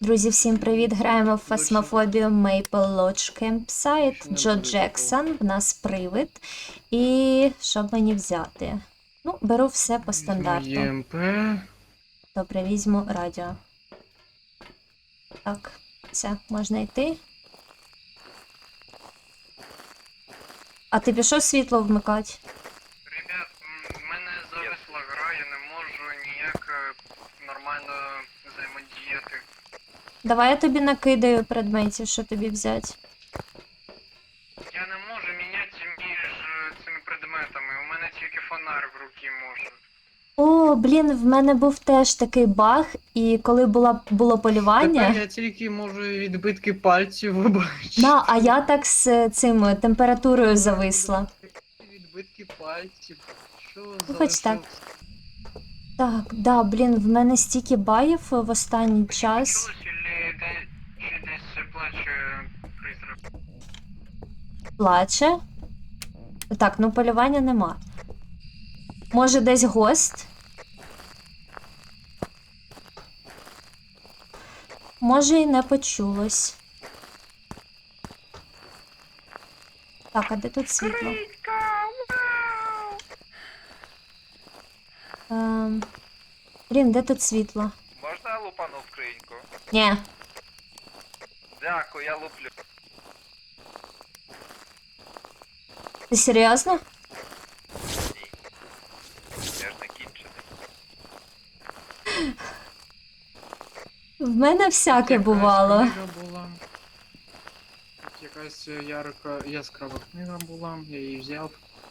Друзі, всім привіт! Граємо в Фасмофобію Maple Lodge Campsite. Джо Джексон, в нас привид. І що мені взяти? Ну, беру все по стандарту. ЄМП. Добре, візьму радіо. Так, все, можна йти. А ти пішов світло вмикати? Ребят, в мене зависла гра, я не можу ніяк нормально взаємодіяти. Давай я тобі накидаю предметів, що тобі взяти. Я не можу міняти між цими предметами, у мене тільки фонар в руці може. О, блін, в мене був теж такий баг, і коли було полювання... Тепер я тільки можу відбитки пальців вибачити. Да, а я так з цим температурою зависла. Відбитки пальців. Що Ну, за... хоч так. Так, да, блін, в мене стільки баїв в останній час. Чи десь плаче призрак? Плаче. Так, ну полювання нема. Може десь гость? Може і не почулось. Так, а де тут світло? Блін, де тут світло? Можна я лупану скриньку? Ні. Дякую, я луплю. Ти серйозно? Ні. Я ж не кінчений. В мене всяке бувало. Книга була. Тут якась яскрава книга була, я її взяв.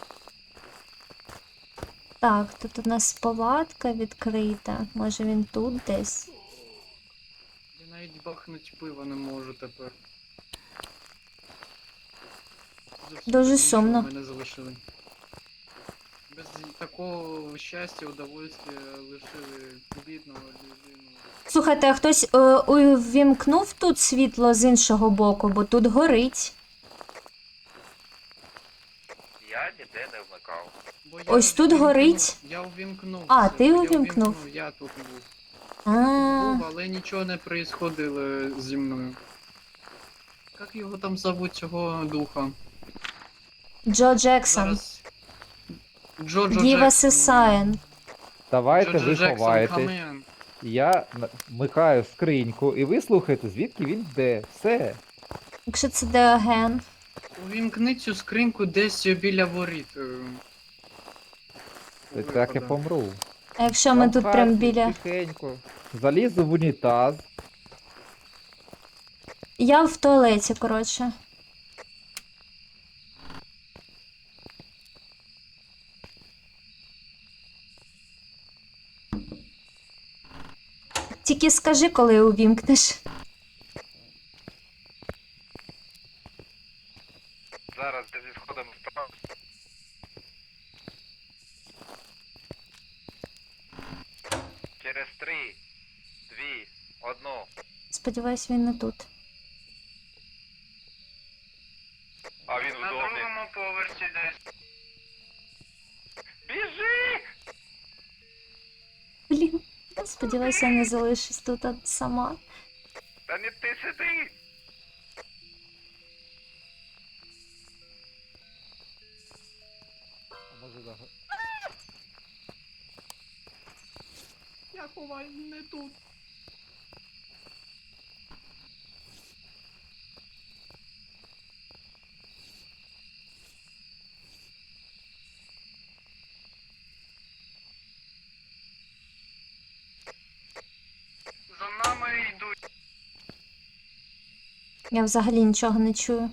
Так, тут у нас палатка відкрита. Може він тут десь? Я навіть бахнуть пива не можу тепер. Зовсім Дуже нічого сумно. Мене залишили. Без такого щастя, удовольствия лишили бідного людину. Слухайте, а хтось увімкнув тут світло з іншого боку, бо тут горить. Я ніде не вмикав. Бо я Ось тут увімкнув- горить. Я увімкнув. А, це, ти я увімкнув? Я тут був. А, Був, але нічого не происходило зі мною. Як його там зовуть, цього духа? Джо Джексон. Зараз... Джоджо Give us a Джексон. sign. Давайте Джоджо ви Джексон, ховаєтесь. камен. Я вмикаю скриньку і ви слухаєте, звідки він йде. Все. Якщо це Деоген. Увімкни цю скриньку десь біля воріт. І так я Виходу. помру. А якщо ми Я в тут хаті, прям біля... Тихенько. Залізу в унітаз. Я в туалеті, коротше. Тільки скажи, коли увімкнеш. Зараз де зі сходом вправо. Через 3, 2, 1. Сподіваюсь, він не тут. А він На вдома. другому поверсі десь. Біжи! Блін, сподіваюся, я не залишусь тут сама. Та не ти сиди! Я ховаю не тут. За нами йдуть. Я взагалі нічого не чую.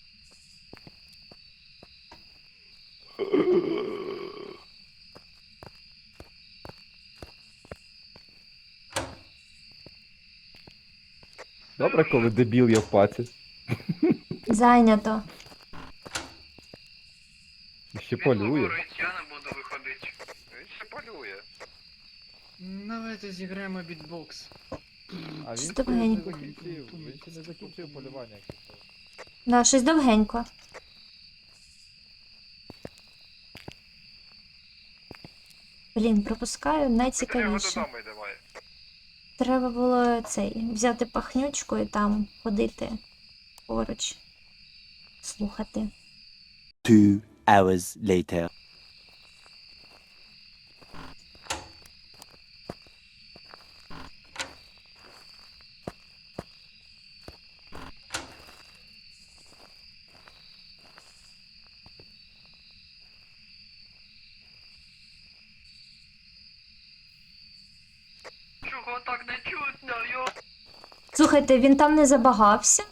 Добре, коли дебіл я в паці. Зайнято. І ще Він полює. говорить, я не буду виходити. Він ще полює. Давайте зіграємо бітбокс. А він Що ще тебе не гень- закінчив. Він ще не закінчив полювання. якщо що. Да, щось довгенько. Блін, пропускаю Ми до нього найцікавіше. додому йдемо. Треба було взяти пахнючку і там ходити поруч, слухати. 2 hours later. Чого так не чутно, йо? Слухайте, він там не забагався?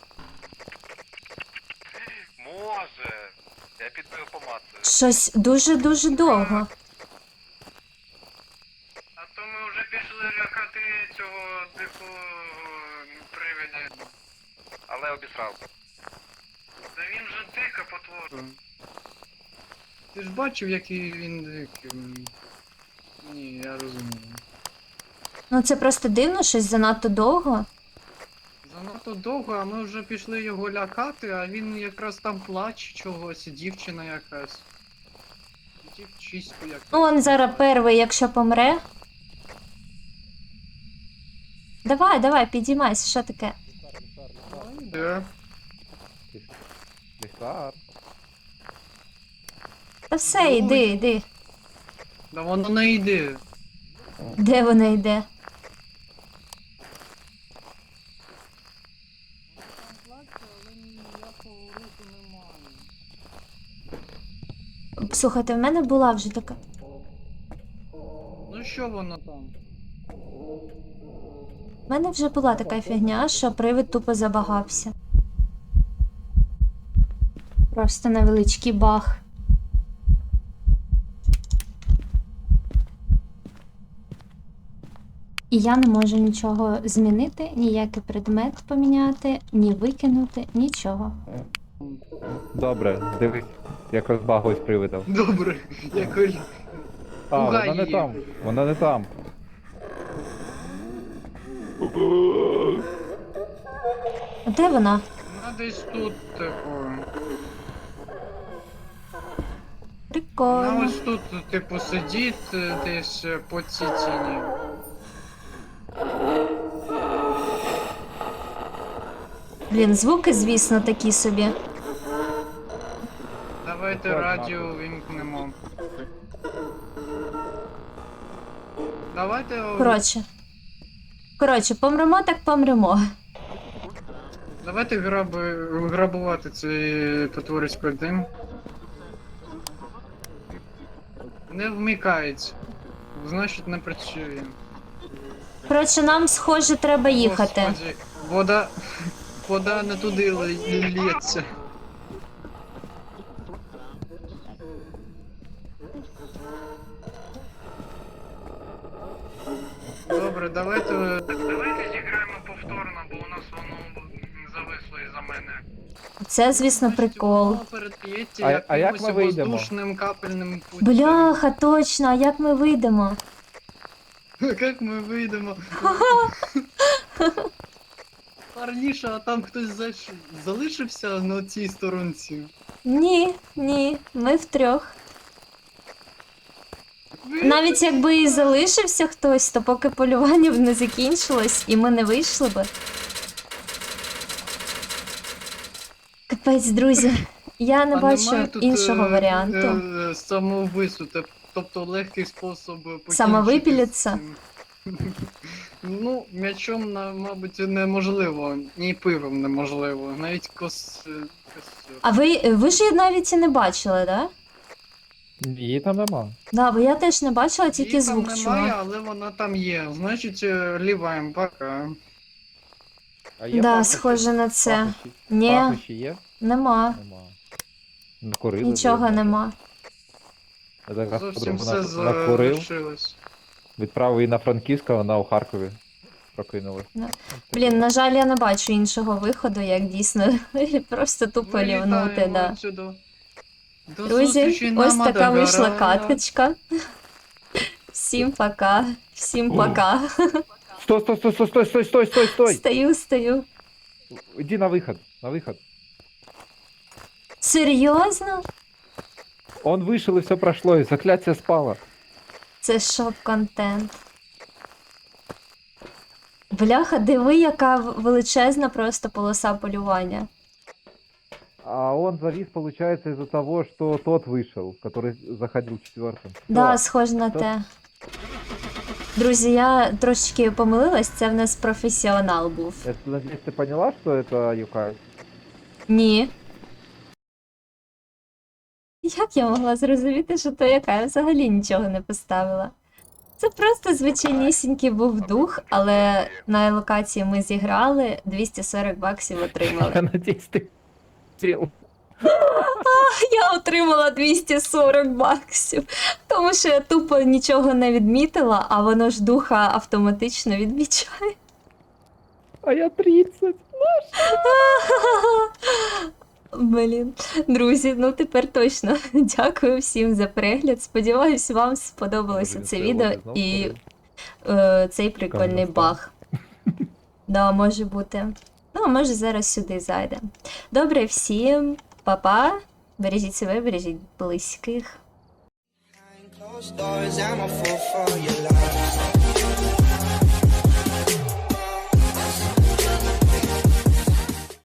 Може. Я піду його помацаю. Щось дуже-дуже довго. А то ми вже пішли лякати цього привида. Але обісрав. Та він же дика потвора. Ти ж бачив, який він дикий. Ні, я розумію. Ну це просто дивно, щось занадто довго. Занадто довго, а ми вже пішли його лякати, а він якраз там плаче чогось, дівчина якась. Дівчиську якась. Ну, он зараз перший, якщо помре. Давай, підіймайся, що таке? Де? Ліхтар. Та все, йди. Да воно не йде. Де вона йде? Слухайте, в мене була вже така. Ну що воно там? В мене вже була така фігня, що привид тупо забагався. Просто невеличкий баг. І я не можу нічого змінити, ніякий предмет поміняти, ні викинути, нічого. Добре, дивись, як розбаглось привидом. Добре, якось. А, Пугай вона не її. там. Вона не там. А де вона? Вона десь тут, типу. Вона Прикольно. ось тут, типу, сидить десь по цій тіні. Блін, звуки, звісно, такі собі. Давайте Так, радіо Марко. вимкнемо. Давайте. Коротше, помремо так помремо. Давайте грабувати цей потворський дим. Не вмикається. Значить не працює. Коротше, нам, схоже, треба їхати. Господи, вода не туди лється. Добре, давайте. Давайте зіграємо повторно, бо у нас воно зависло із-за мене. Це, звісно, прикол. Воно переп'ється А як якимось ми вийдемо? воздушним капельним путем. Бляха, точно, а як ми вийдемо? Як ми вийдемо? Парніша, а там хтось залишився на цій сторонці. Ні, ми втрьох. Навіть якби і залишився хтось, то поки полювання б не закінчилось і ми не вийшли би. Капець, друзі, я не А бачу немає тут, іншого варіанту. Самовбивства, тобто легкий спосіб покінчити Самовипілитися? з цим. Ну, м'ячом, мабуть, неможливо, ні пивом неможливо, навіть костю. А ви ж її навіть і не бачили, да? Її там нема. Да, бо я теж не бачила, тільки Її звук там немає, чула. але вона там є. Значить, ліваємо пока. А є Да, пахощі? схоже на це. Пахощі? Ні, Пахощі є? нема. Нема. Накурили. Нічого блін. нема. Я так раз Зовсім все подумав, накурив, залишилось. відправив її на Франківська, вона у Харкові прокинулась. Блін, на жаль, я не бачу іншого виходу, як дійсно просто тупо лівнути, Вилітаємо да. отсюда. До Друзі, зустрічі на ось така вийшла Мадагараї. каточка. Всім пока. Всім пока. Стой! Стою. Іди на виход, Серйозно? Он вышел и все прошло, и заклятие спало. Це шоп-контент. Бляха, диви, яка величезна просто полоса полювання. А он завис, получается, из-за того, что тот вышел, который заходил четвертым. Да, Всё. схоже на То- те. Друзі, я трошечки помилилась, це в нас професіонал був. Я надеюсь, ты поняла, что это Юкай? Ні. Як я могла зрозуміти, що то яка? Я взагалі нічого не поставила. Це просто звичайнісінький був дух, але на локації ми зіграли, 240 баксів отримали. Я надеюсь, ты стрел. Я отримала 240 баксів, тому що я тупо нічого не відмітила, а воно ж духа автоматично відмічає. А я 30. Блін, друзі, ну тепер точно дякую всім за перегляд. Сподіваюсь, вам сподобалося Може, це він відео стрілок і знов цей прикольний Кам'яна баг. Да, може бути. Ну, а може зараз сюди зайде. Добре, всім па-па. Бережіть себе, бережіть близьких. Closed doors, I'm a fool for